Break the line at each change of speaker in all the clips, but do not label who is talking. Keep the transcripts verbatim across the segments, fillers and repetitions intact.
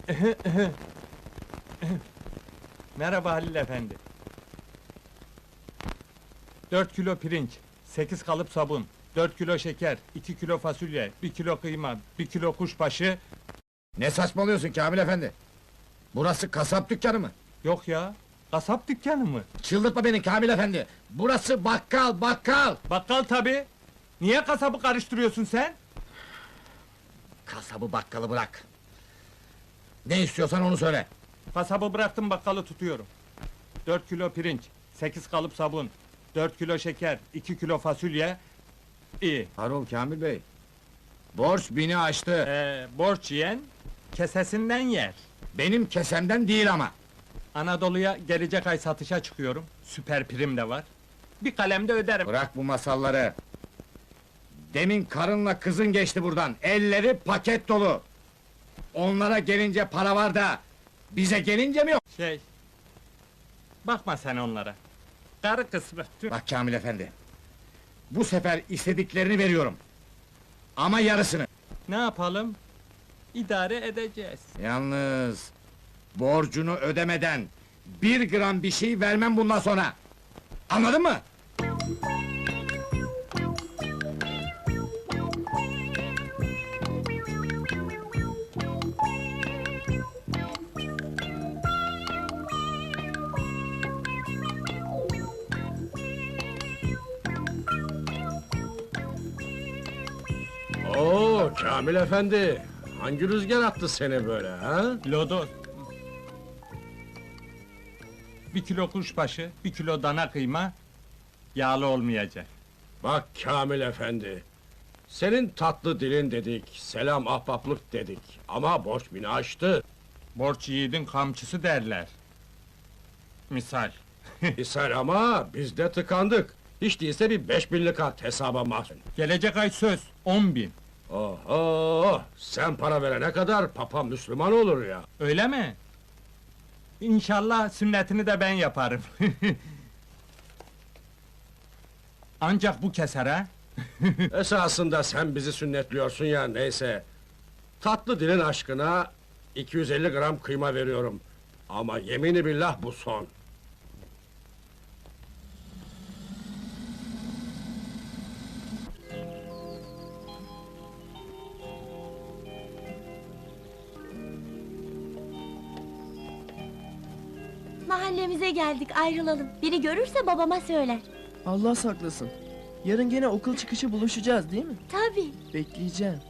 Merhaba Halil efendi. Dört kilo pirinç, sekiz kalıp sabun, dört kilo şeker, iki kilo fasulye, bir kilo kıyma, bir kilo kuşbaşı...
Ne saçmalıyorsun Kamil efendi? Burası kasap dükkanı mı?
Yok ya, kasap dükkanı mı?
Çıldırtma beni Kamil efendi! Burası bakkal, bakkal!
Bakkal tabi. Niye kasabı karıştırıyorsun sen?
Kasabı bakkalı bırak! Ne istiyorsan onu söyle!
Kasabı bıraktım, bakkalı tutuyorum. Dört kilo pirinç, sekiz kalıp sabun, dört kilo şeker, iki kilo fasulye... İyi.
Harol Kamil bey! Borç bini aştı!
Ee, borç yiyen, kesesinden yer.
Benim kesemden değil ama!
Anadolu'ya gelecek ay satışa çıkıyorum. Süper prim de var. Bir kalemde öderim.
Bırak bu masalları! Demin karınla kızın geçti buradan, elleri paket dolu! Onlara gelince para var da, bize gelince mi yok?
Şey... Bakma sen onlara. Karı kısmı. Tüh.
Bak Kamil efendi! Bu sefer istediklerini veriyorum! Ama yarısını!
Ne yapalım? İdare edeceğiz.
Yalnız... Borcunu ödemeden... Bir gram bir şey vermem bundan sonra! Anladın mı?
Oo, Kamil efendi! Hangi rüzgar attı seni böyle ha?
Lodos. Bir kilo kuşbaşı, bir kilo dana kıyma... Yağlı olmayacak.
Bak Kamil efendi! Senin tatlı dilin dedik, selam ahbaplık dedik. Ama borç bini aştı.
Borç yiğidin kamçısı derler. Misal.
İshal ama biz de tıkandık. Hiç değilse bir beş binlik at hesaba mahzun.
Gelecek ay söz, on bin.
Oho! Sen para verene kadar papa Müslüman olur ya.
Öyle mi? İnşallah sünnetini de ben yaparım. Ancak bu keser ha?
Esasında sen bizi sünnetliyorsun ya, neyse. Tatlı dilin aşkına iki yüz elli gram kıyma veriyorum. Ama yemini billah bu son.
Mahallemize geldik, ayrılalım. Biri görürse babama söyler.
Allah saklasın. Yarın gene okul çıkışı buluşacağız değil mi?
Tabii.
Bekleyeceğim.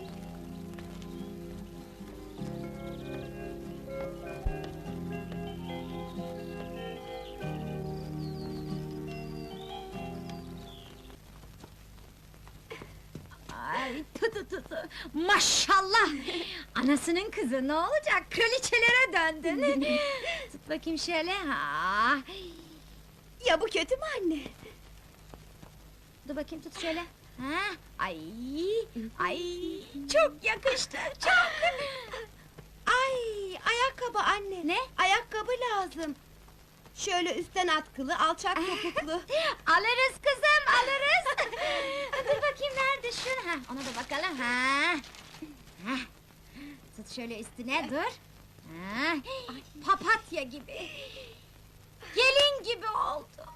Ay, tu tu tu tu! Maşallah! Anasının kızı, ne olacak? Kraliçelere döndün! Tut bakayım şöyle, ha!
Ya bu kötü mü anne?
Dur bakayım, tut şöyle! Ha! Ay! Ay! Çok yakıştı, çok!
Ay, ayakkabı anne.
Ne?
Ayakkabı lazım. Şöyle üstten atkılı, alçak topuklu.
Alırız kızım, alırız! Dur bakayım, nerede şu? Ha, ona da bakalım, ha! Ha! Tut şöyle üstüne, dur! Ha! Papatya gibi! Gelin gibi oldu!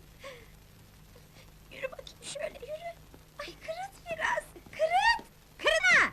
Yürü bakayım şöyle, yürü! Ay, kırıt biraz, kırıt! Kırına!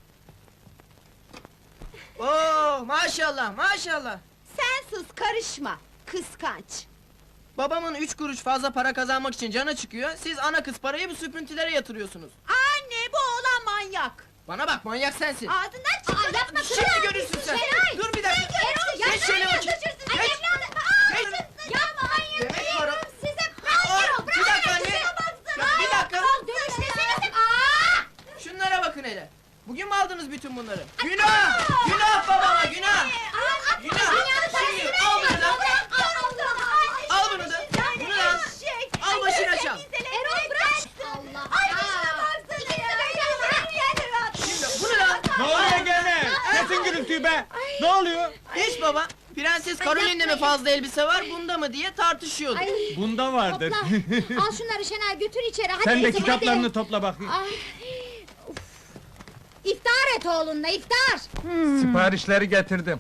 Oo, maşallah, maşallah!
Sen sus, karışma. Kıskanç.
Babamın üç kuruş fazla para kazanmak için canı çıkıyor, siz ana kız parayı bu süprüntülere yatırıyorsunuz.
Anne, bu oğlan manyak.
Bana bak, manyak sensin!
Ağzından çıktı.
Aa, yapma,
Şimdi
kırına!
görürsün sen!
Şeray!
Dur bir dakika!
Erol,
Geç
yapma,
şöyle
ya,
bakayım!
düşürsün! Ay,
Geç!
evladım! Aa,
Geç!
düşürsün! Yapma, hayır,
Demek
hayır!
para-
Size...
Aa,
Hayır, Erol,
bir dakika anne!
şuna baksın!
Ya, bir dakika!
Al, dönüştesenize! Aa!
Şunlara bakın hele! Bugün mü aldınız bütün bunları? Günah! Günah babama, günah! Günah! Şimdi al bunu da! Al bunu da! Bunu da al! Al başına çal!
Erol, bırak! Allah! Ay, şuna baksın!
Şimdi bunu da al!
Ne oluyor gene? Kesin gürültüyü be! Ne oluyor?
Hiç baba! Prenses Caroline'de mi fazla elbise var, bunda mı diye tartışıyorduk.
Bunda vardır.
Topla! Al şunları Şenay, götür içeri, hadi!
Sen de
kızım,
kitaplarını
hadi.
topla bakayım.
Ay, İftar et oğlunla, iftar!
Siparişleri getirdim.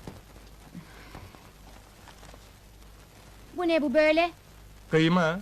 Bu ne bu böyle?
Kıyma.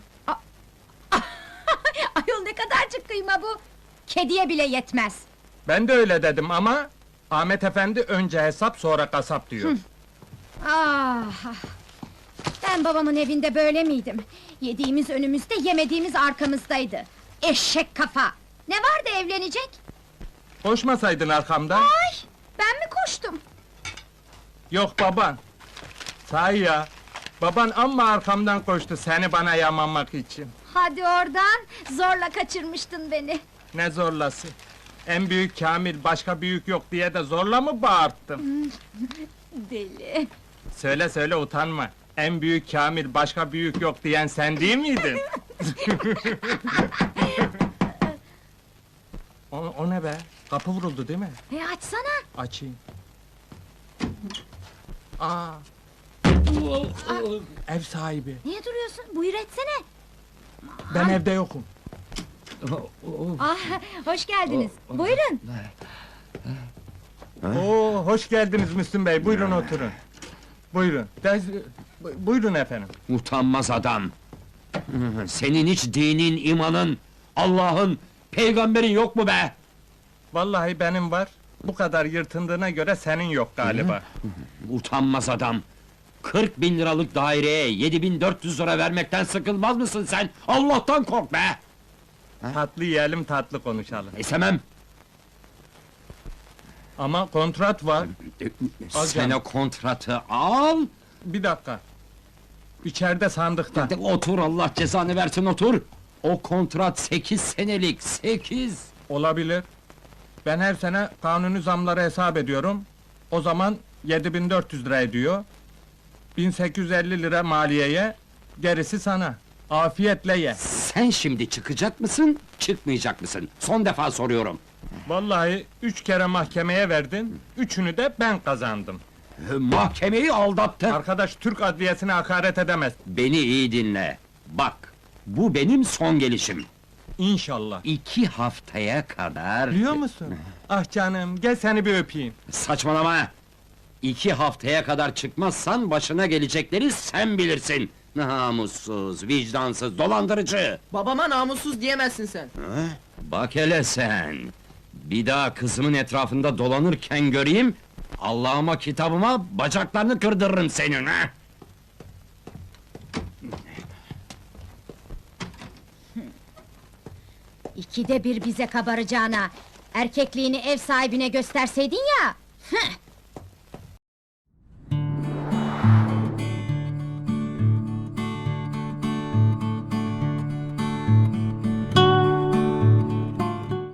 Ayol ne kadarcık kıyma bu! Kediye bile yetmez!
Ben de öyle dedim ama Ahmet Efendi önce hesap sonra kasap diyor.
Ah! ah. Ben babamın evinde böyle miydim? Yediğimiz önümüzde, yemediğimiz arkamızdaydı. Eşek kafa! Ne vardı evlenecek?
Koşmasaydın arkamdan.
Ay! Ben mi koştum?
Yok baban. Sahi ya. Baban amma arkamdan koştu seni bana yamamak için.
Hadi oradan, zorla kaçırmıştın beni.
Ne zorlası? En büyük Kamil başka büyük yok diye de zorla mı bağırttım?
Deli!
Söyle söyle utanma. En büyük Kamil başka büyük yok diyen sen değil miydin? o, o ne be? Kapı vuruldu değil mi?
E açsana!
Açayım. Aa. Ev sahibi.
Niye duruyorsun? Buyur etsene!
Ben evde yokum.
Ah, hoş geldiniz. Buyurun.
Oo, hoş geldiniz Müslüm Bey. Buyurun oturun. Buyurun. Dez, bu- buyurun efendim.
Utanmaz adam! Senin hiç dinin, imanın, Allah'ın, peygamberin yok mu be?
Vallahi benim var. Bu kadar yırtındığına göre senin yok galiba.
Utanmaz adam! Kırk bin liralık daireye yedi bin dört yüz lira vermekten sıkılmaz mısın sen? Allah'tan kork be!
Tatlı yiyelim, tatlı konuşalım.
İstemem!
Ama kontrat var. Al
Sen
canım.
o kontratı al!
Bir dakika. İçeride sandıkta.
De otur, Allah cezanı versin, otur! O kontrat sekiz senelik, sekiz!
Olabilir. Ben her sene kanuni zamları hesap ediyorum. O zaman yedi bin dört yüz lira ediyor. bin sekiz yüz elli lira maliyeye, gerisi sana. Afiyetle ye.
Sen şimdi çıkacak mısın, çıkmayacak mısın? Son defa soruyorum!
Vallahi üç kere mahkemeye verdin, üçünü de ben kazandım.
Mahkemeyi aldattın!
Arkadaş Türk adliyesine hakaret edemez.
Beni iyi dinle. Bak, bu benim son gelişim.
İnşallah.
İki haftaya kadar...
Biliyor musun? Ah canım, gel seni bir öpeyim.
Saçmalama! İki haftaya kadar çıkmazsan başına gelecekleri sen bilirsin. Namussuz, vicdansız, dolandırıcı!
Babama namussuz diyemezsin sen.
Bak hele sen! Bir daha kızımın etrafında dolanırken göreyim... Allah'ıma kitabıma bacaklarını kırdırırım senin ha!
İkide bir bize kabaracağına, erkekliğini ev sahibine gösterseydin ya! Hıh!